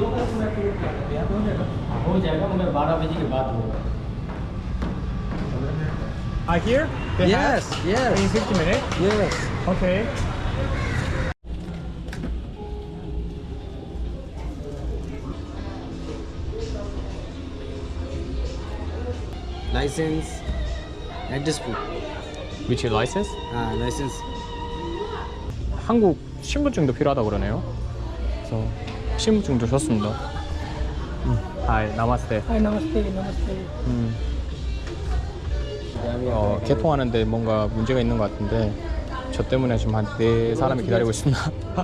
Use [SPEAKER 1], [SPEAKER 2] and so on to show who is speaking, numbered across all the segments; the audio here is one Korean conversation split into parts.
[SPEAKER 1] हो जाएगा मगर 12 बजे के बाद होगा.
[SPEAKER 2] Here? They
[SPEAKER 3] Yes,
[SPEAKER 2] have?
[SPEAKER 3] yes.
[SPEAKER 2] In 50 minutes?
[SPEAKER 3] Yes.
[SPEAKER 2] Okay.
[SPEAKER 3] License, address proof.
[SPEAKER 2] Which license?
[SPEAKER 3] License.
[SPEAKER 2] 한국 신분증도 필요하다고 그러네요. 그래서 신분증도 줬습니다. Hi, namaste.
[SPEAKER 4] Hi, namaste, namaste.
[SPEAKER 2] 개통하는데 뭔가 문제가 있는 것 같은데 저 때문에 지금 한 4사람이 기다리고 있습니다.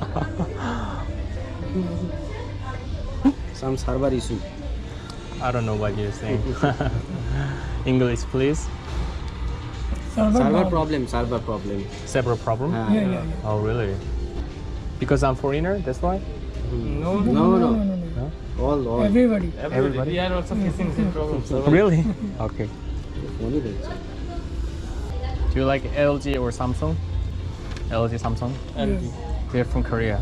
[SPEAKER 3] Some server issue.
[SPEAKER 2] I don't know what you're saying. English, please.
[SPEAKER 3] Server problem. Server problem.
[SPEAKER 2] Several problem?
[SPEAKER 4] Yeah.
[SPEAKER 2] Oh, really? Because I'm foreigner, that's why?
[SPEAKER 3] No. All.
[SPEAKER 4] Everybody.
[SPEAKER 2] Everybody?
[SPEAKER 1] We are also facing same problems.
[SPEAKER 2] Really? Okay.
[SPEAKER 3] Only that.
[SPEAKER 2] Do you like LG or Samsung? LG, Samsung?
[SPEAKER 1] LG.
[SPEAKER 2] They're from Korea.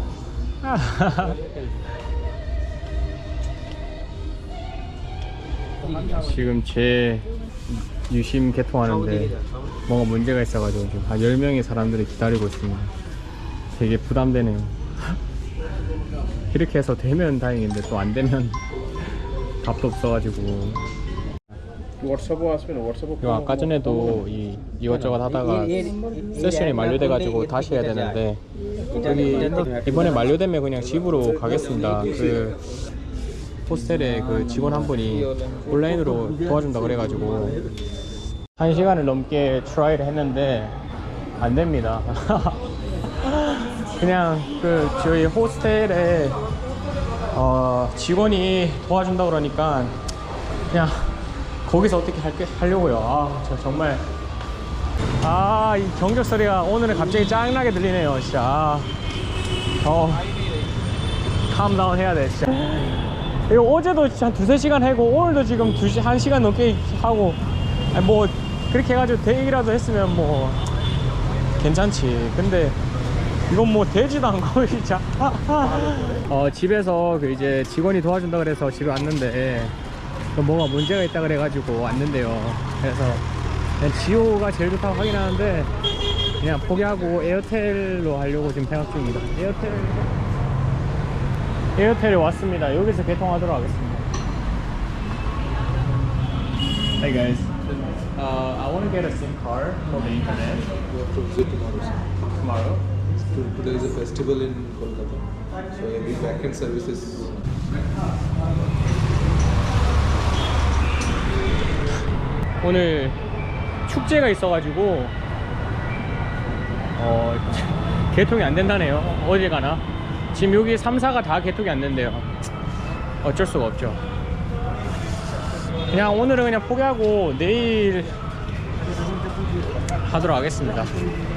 [SPEAKER 2] 지금 제 유심 개통하는데 뭔가 문제가 있어가지고 지금 한 10명의 사람들이 기다리고 있습니다. 되게 부담되네요. 이렇게 해서 되면 다행인데 또 안 되면 답도 없어가지고. 이거 아까 전에도 이것저것 하다가 세션이 만료돼가지고 다시 해야 되는데 여기 이번에 만료되면 그냥 집으로 가겠습니다. 그 호스텔에 그 직원 한 분이 온라인으로 도와준다 그래가지고 1시간을 넘게 트라이를 했는데 안 됩니다. 그냥 그 저희 호스텔에 직원이 도와준다 그러니까 그냥 거기서 어떻게 하려고요. 저 정말 이 경적 소리가 오늘은 갑자기 짱나게 들리네요. 진짜 캄다운 해야 돼 진짜. 이거 어제도 진짜 한 2-3시간 하고 오늘도 지금 1시간 넘게 하고 뭐 그렇게 해가지고 대기라도 했으면 뭐 괜찮지. 근데 이건 뭐 되지도 않고 진짜. 집에서 그 이제 직원이 도와준다 그래서 집에 왔는데 뭐가 문제가 있다 그래가지고 왔는데요. 그래서 그냥 지오가 제일 좋다고 하긴 하는데 그냥 포기하고 에어텔로 하려고 지금 생각 중입니다. 에어텔에 왔습니다. 여기서 개통하도록 하겠습니다. Hey guys, I want to get a SIM card for the internet. Tomorrow?
[SPEAKER 5] Today is a festival in Kolkata, so every backend services.
[SPEAKER 2] 오늘 축제가 있어가지고 개통이 안 된다네요. 어제 가나 지금 여기 3사가 다 개통이 안 된대요. 어쩔 수가 없죠. 그냥 오늘은 그냥 포기하고 내일 하도록 하겠습니다.